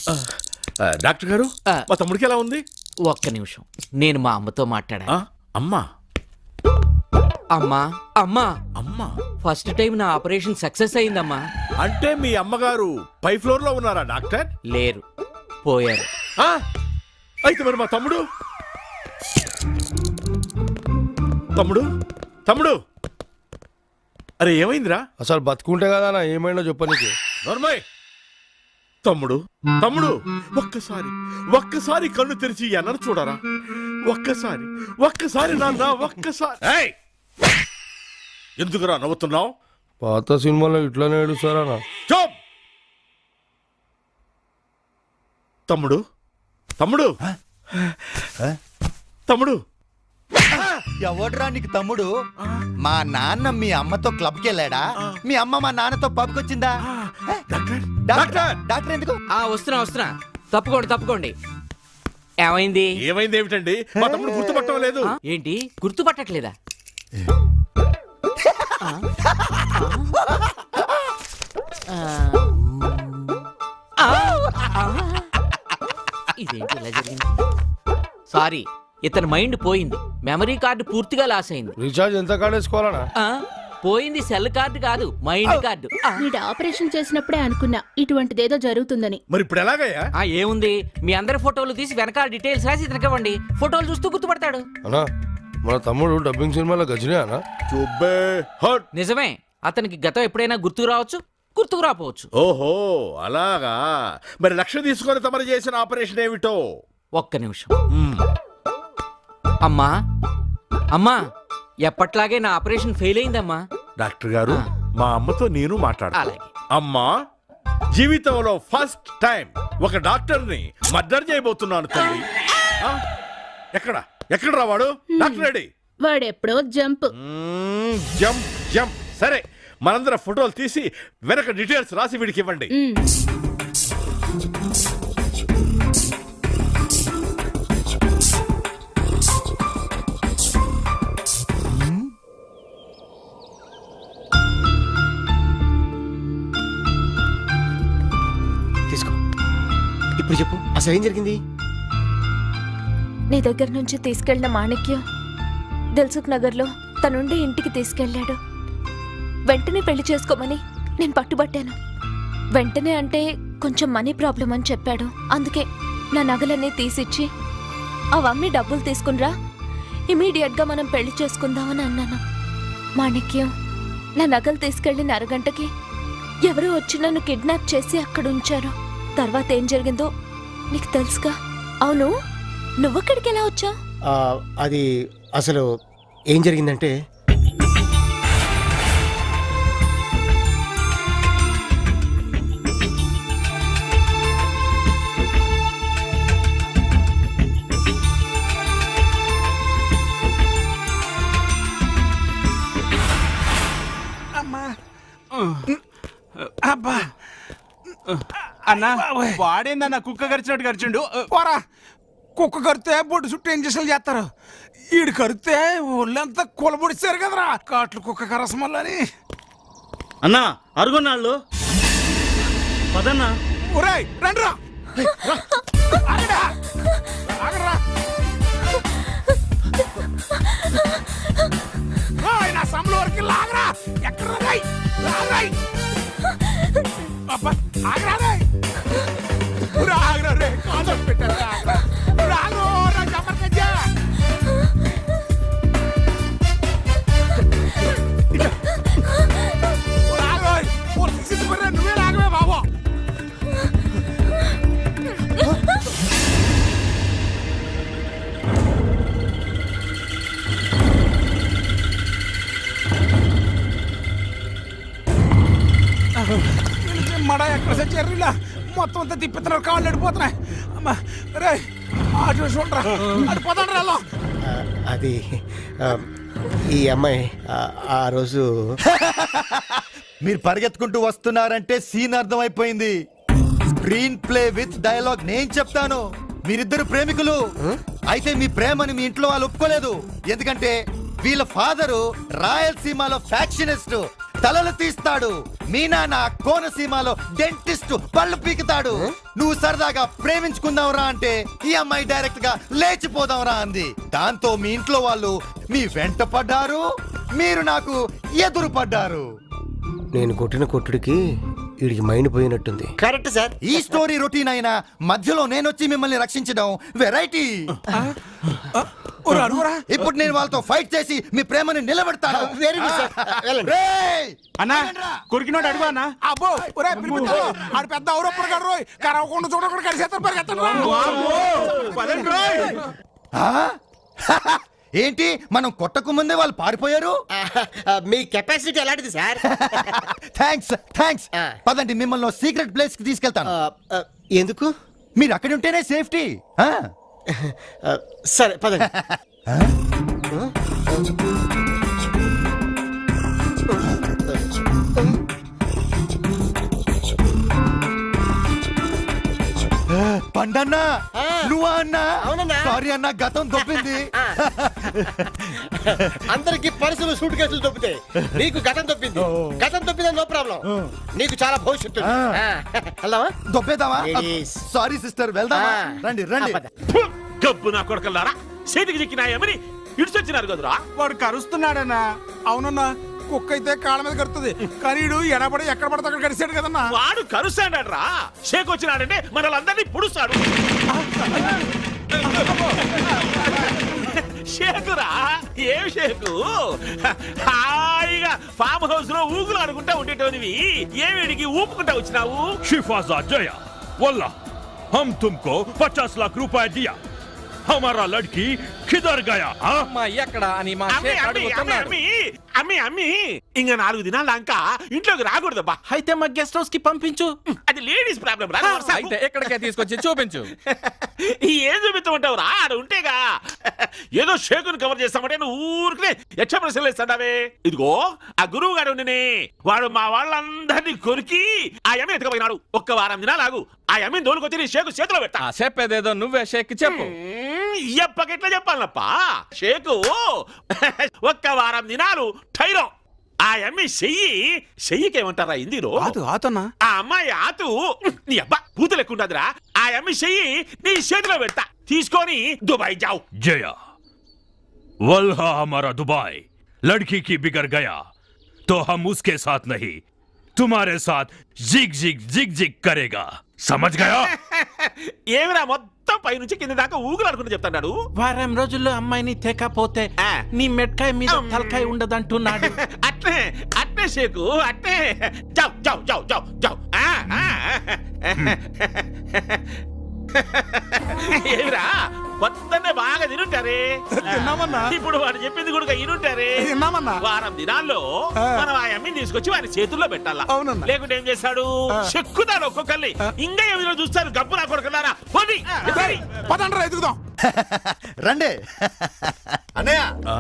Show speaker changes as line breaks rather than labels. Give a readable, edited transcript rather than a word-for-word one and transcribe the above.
Doctor గారు మా తమ్ముడికి ఎలా ఉంది?
ఒక్క నిమిషం, నేను మా అమ్మతో మాట్లాడా.
అమ్మా
అమ్మా అమ్మా
అమ్మా
ఫస్ట్ టైం నా ఆపరేషన్ సక్సెస్ అయిందమ్మా.
అంటే మీ అమ్మగారు పై ఫ్లోర్ లో ఉన్నారా డాక్టర్?
లేరు, పోయారు.
అయితే మరి మా తమ్ముడు తమ్ముడు తమ్ముడు అరే ఏమైందిరా?
అసలు బతుకుంటే కదా ఏమైనా చెప్పనీకి.
నోర్మయ్ తమ్ముడు తమ్ముడు ఒక్కసారి కన్ను తెరిచి అన్నను చూడరా. ఒక్కసారి నాన్న ఒక్కసారి. ఎందుకురా నవ్వుతున్నావు?
పాత సినిమాలో ఇట్లానే ఏడుస్తారా?
చూప్ తమ్ముడు తమ్ముడు తమ్ముడు
ఎవడ్రా నీకు తమ్ముడు? మా నాన్న మీ అమ్మతో క్లబ్కి వెళ్ళాడా? మీ అమ్మ మా నాన్నతో పబ్కి వచ్చిందా? డాక్టర్ ఎందుకు?
వస్తున్నా. తప్పుకోండి. ఏమైంది?
ఏమైంది ఏమిటండి? మా తమ్ముడు గుర్తుపట్టడం లేదు.
ఏంటి గుర్తుపట్టట్లేదా? ఇదేంటి ఇలా జరిగింది? సారీ, ఇతని మైండ్ పోయింది. మెమరీ కార్డు పూర్తిగా లాస్ అయింది.
రీఛార్జ్ ఎంత కార్డు వేసుకోవాలనా?
పోయింది సెల్ కార్డు కాదు, మైండ్ కార్డు.
వీడు ఆపరేషన్ చేసినప్పుడే అనుకున్నా ఇటువంటిదేదో జరుగుతుందని.
మరి ఇప్పుడు ఎలాగయ్యా?
ఏముంది, మీ అందరి ఫోటోలు తీసి వెనకాల డీటెయిల్స్ రాసి ఇతనికి ఇవ్వండి. ఫోటోలు చూస్తూ గుర్తుపడతాడు.
అన్నా మన తమ్ముడు డబ్బింగ్ సినిమాలో గజనే అనా?
నిజమే, అతనికి గతం ఎప్పుడైనా గుర్తుకు రావచ్చు, గుర్తుకు రాపోవచ్చు.
ఓహో అలాగా. మరి లక్ష తీసుకొని తమరు చేసిన ఆపరేషన్ ఏమిటో?
ఒక్క నిమిషం. అమ్మా ఎప్పట్లాగే నా ఆపరేషన్ ఫెయిల్ అయిందమ్మా.
డాక్టర్ గారు మా అమ్మతో నేను మాట్లాడాలి.
అలాగే.
అమ్మా, జీవితంలో ఫస్ట్ టైం ఒక డాక్టర్ ని మర్డర్ చేయబోతున్నాను తల్లి. ఎక్కడ రావాడు? Doctor ready.
వాడెప్పుడో జంప్.
జంప్. సరే, మనందరం ఫోటోలు తీసి వెనక డీటెయిల్స్ రాసి వీడికి ఇవ్వండి.
తీసుకో. ఇప్పుడు చెప్పు, అసలు ఏం జరిగింది?
నీ దగ్గర నుంచి తీసుకెళ్లిన మాణిక్యం దిల్సుఖ్ నగర్లో తనుండే ఇంటికి తీసుకెళ్లాడు. వెంటనే పెళ్లి చేసుకోమని నేను పట్టుబట్టాను. వెంటనే అంటే కొంచెం మనీ ప్రాబ్లం అని చెప్పాడు. అందుకే నా నగలన్నీ తీసిచ్చి అవన్నీ డబ్బులు తీసుకునిరా, ఇమీడియట్గా మనం పెళ్లి చేసుకుందామని అన్నాను. మాణిక్యం నా నగలు తీసుకెళ్లిన అరగంటకి ఎవరో వచ్చి నన్ను కిడ్నాప్ చేసి అక్కడ ఉంచారు. తర్వాత ఏం జరిగిందో నీకు తెలుసుగా. అవును, నువ్వక్కడికి ఎలా వచ్చావు?
అది అసలు ఏం జరిగిందంటే,
అబ్బా అన్నా, వాడేందన్నా కుక్క కరిచినట్టు కరిచిండు. పోరా, కుక్క కరితే బొడ్డు చుట్టూ ఇంజక్షన్లు చేస్తారు. ఈడు కరితే ఒళ్ళంతా కూలబొడిచారు కదరా, కాట్లు కుక్క కరసమల్లని.
అన్నా అరుగున్నాళ్ళు పదన్నా.
ఒరేయ్ రండిరా, ఆగరా. నా సమ్ముల వరకు లాగరా. ఎక్కడ లాగరాయ్. ఆగరా రే, కాంటాక్ట్ పెట్టారా? నువ్వే రాగవే బాబు. మడ ఎక్కడ సచ్చారు? మొత్తం అంతా తిప్పుతున్నారు, కాళ్ళు అడిపోతున్నాయి. అమ్మా రే, అటు చూడరా, అటు పోతాడు రా.
అది ఈ అమ్మాయి ఆ రోజు
మీరు పరిగెత్తుకుంటూ వస్తున్నారంటే సీన్ అర్థమైపోయింది. స్క్రీన్ ప్లే విత్ డైలాగ్ నేను చెప్తాను. మీరిద్దరు ప్రేమికులు అయితే మీ ప్రేమని మీ ఇంట్లో వాళ్ళు ఒప్పుకోలేదు. ఎందుకంటే వీళ్ళ ఫాదరు రాయలసీమలో ఫ్యాక్షనిస్ట్. తలలు తీస్తాడు. మీ నాన్న కోనసీమలో డెంటిస్ట్ పళ్ళు పీకుతాడు. నువ్వు సరదాగా ప్రేమించుకుందాంరా అంటే ఈ అమ్మాయి డైరెక్ట్ గా లేచిపోదాంరా అంది. దాంతో మీ ఇంట్లో వాళ్ళు మీ వెంట పడ్డారు, మీరు నాకు ఎదురు పడ్డారు.
నేను కొట్టిన కొట్టుడికి వీడికి మైండ్ పోయినట్టుంది.
Correct sir. ఈ స్టోరీ రొటీన్ అయినా మధ్యలో నేను వచ్చి మిమ్మల్ని రక్షించడం వెరైటీ. ఇప్పుడు నేను వాళ్ళతో ఫైట్ చేసి మీ ప్రేమని నిలబెడతాను.
Very good sir. వెళ్ళండి.
రేయ్!
అన్నా కొరికినోడు అడుగు అన్నా. అబ్బో ఒరే పిలిపిస్తాడు. ఆడు పెద్ద ఔరప్పుడు కాడు రోయ్. కరవకుండా చూడకుండా కడిసేస్తారు పరిగెత్తండి
ఆ? ఏంటి మనం కొట్టకు ముందే వాళ్ళు పారిపోయారు?
మీ కెపాసిటీ ఎలాంటిది సార్?
Thanks thanks. పదండి, మిమ్మల్ని సీక్రెట్ ప్లేస్ కి తీసుకెళ్తాను.
ఎందుకు?
మీరు అక్కడ ఉంటేనే సేఫ్టీ.
సరే పదండి.
పండన్నా, నువ్వా అన్నా?
అవునన్నా.
సారీ అన్న, గతం దొబ్బింది.
అందరికి పర్సులు సూట్ కేసులు దొబ్బితే నీకు గతం దొబ్బింది. గతం దొబ్బింది, నో ప్రాబ్లం. నీకు చాలా భవిష్యత్తు. వెళ్దామా?
దొబ్బేద్దామా?
Ladies.
సారీ సిస్టర్, వెళ్దామా? రండి రండి.
గబ్బు నా కొడకల్లారా, చేతికి చిక్కినాయమని ఇడిచొచ్చినారు కదరా.
వాడు కరుస్తున్నాడన్నా. అవునన్నా, కుక్క అయితే కాళ్ళ మీద కరుతుంది. కానీ ఎడబడి ఎక్కడ పడితే అక్కడ కరిసాడు కదన్నా.
వాడు కరుస్తాడరా. షేక్ వచ్చినాడంటే మనల్ని పుడుస్తాడు. షేకురా, ఏం షేకు? హాయిగా ఫామ్ హౌస్ లో ఊగులు అనుకుంటా ఉండేటోనివి ఏమిడికి ఊపుకుంటా వచ్చినావు?
शिफाजा जया वल्ला हम तुमको 50 लाख रुपए दिया, हमारा लड़की किधर गया?
ఎక్కడ అని మా
అమ్మి, అమ్మి, అమ్మి, అమ్మి, అమ్మి, అమ్మి, ఇంక 4 దినాల దాకా ఇంట్లోకి రాకూడదబ్బా.
అయితే మా గెస్ట్ హౌస్ కి పంపించు.
అది లేడీస్ ప్రాబ్లం రా.
అయితే ఎక్కడికే తీసుకొచ్చి చూపించు.
ఏం చూపిస్తామంటావు రా? ఆడ ఉంటేగా ఏదో షేకుని కవర్ చేస్తామంటే నువ్వు ఊరికే యక్ష ప్రశ్నలు వేస్తాడావే. ఇదిగో ఆ గురువు గారు ఉండనే, వాడు మా వాళ్ళందరినీ కొరికి ఆ యమ్మిని ఎత్తుకుపోయినాడు. 1 వారం దినాలు ఆగు, ఆ యమ్మిని దోలుకొచ్చి నీ షేకు చేతిలో పెడతా.
చెప్పేదేదో నువ్వే షేక్ చెప్పు.
ఎప్పకెట్లా చెప్పాలప్పా? షేకు 1 వారం దినాలు టైరో. ఆ యమ్మి చెయ్యికేమంటారా హిందీలో?
ఆతన్నా.
ఆ అమ్మాయి ఆతు నీ అబ్బా పూత లెక్కుండదురా. ఆ అమ్మి చెయ్యి నీ చేతిలో పెడతా, తీసుకొని దుబాయ్ జావు.
जया वल्हा हमारा दुबई लड़की की बिगड़ गया तो हम उसके साथ नहीं तुम्हारे साथ जिग जिग जिग जिग करेगा, समझ गया?
ఏమిరా మొత్తం పైనుంచి కింద దాకా ఊగులు అనుకుంటూ చెప్తాడు.
వారం రోజుల్లో అమ్మాయిని తేకపోతే నీ మెట్కాయ మీద తలకాయ ఉండదంటున్నాడు.
అట్నే అట్నే షేకు, అట్నే జావ్ జావ్ జావ్ జావ్ జావ్. ఏమిరా మొత్తాన్ని బాగా తినుంటారే.
తిన్నామన్నా.
ఇప్పుడు వాడు చెప్పింది కూడా ఇనుంటారే.
తిన్నామన్నా.
వారం దినాల్లో మనం ఆ అమ్మిని తీసుకొచ్చి వారి చేతుల్లో పెట్టాలా.
అవునన్నా.
లేకుంటే ఏం చేస్తాడు? చెక్కుతాడు ఒక్కొక్కరిని. ఇంకా ఏమైనా చూస్తారు గబ్బు నా కొడుకున్నారా?
పదండ్రా ఎదుగుదాం.
రండి అన్నయ్య.